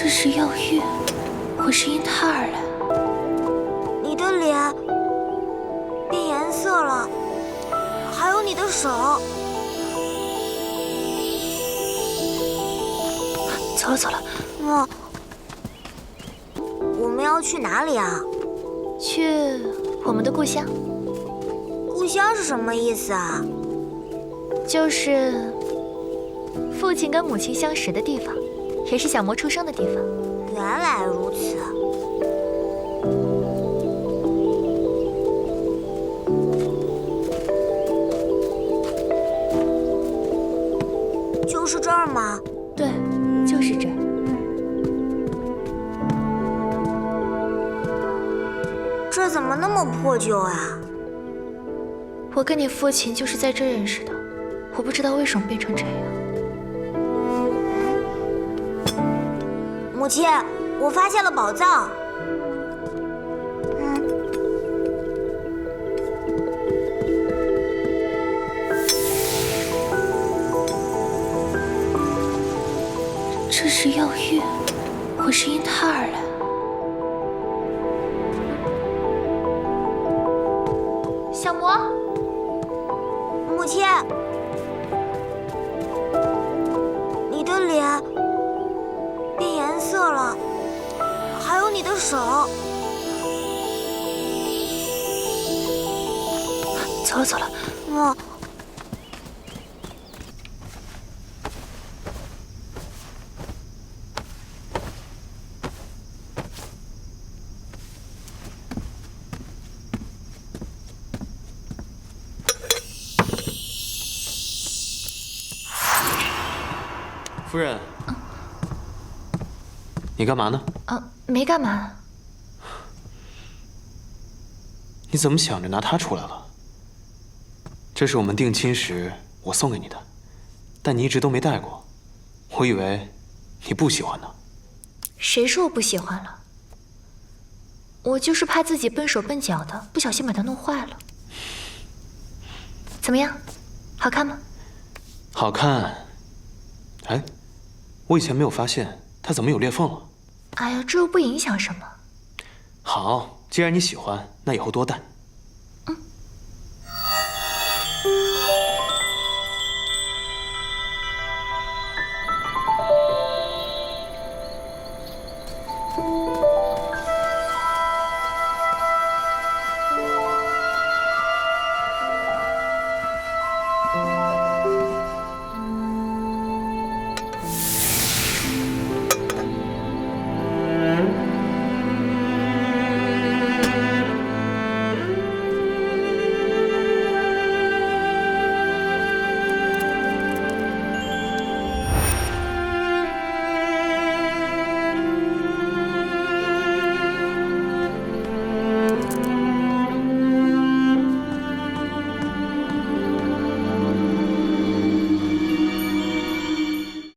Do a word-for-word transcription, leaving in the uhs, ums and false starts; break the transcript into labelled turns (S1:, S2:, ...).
S1: 这是药浴，我是因它而来。
S2: 你的脸变颜色了，还有你的手。
S1: 走了走了。
S2: 嗯，我们要去哪里啊？
S1: 去我们的故乡。
S2: 故乡是什么意思啊？
S1: 就是父亲跟母亲相识的地方，也是小魔出生的地方。
S2: 原来如此。就是这儿吗？
S1: 对，就是这儿。
S2: 这怎么那么破旧啊？
S1: 我跟你父亲就是在这认识的，我不知道为什么变成这样。
S2: 母亲，我发现了宝藏。嗯。
S1: 这是药浴，我是因它而来。小魔，
S2: 母亲，你的脸变颜色了，还有你的手。
S1: 走了走了。
S2: 嗯。
S3: 夫人，你干嘛呢？
S1: 啊，没干嘛。
S3: 你怎么想着拿它出来了？这是我们定亲时我送给你的，但你一直都没戴过，我以为你不喜欢呢。
S1: 谁说我不喜欢了？我就是怕自己笨手笨脚的，不小心把它弄坏了。怎么样，好看吗？
S3: 好看。哎，我以前没有发现它怎么有裂缝了。
S1: 哎呀，这又不影响什么。
S3: 好，既然你喜欢，那以后多戴。
S1: 嗯。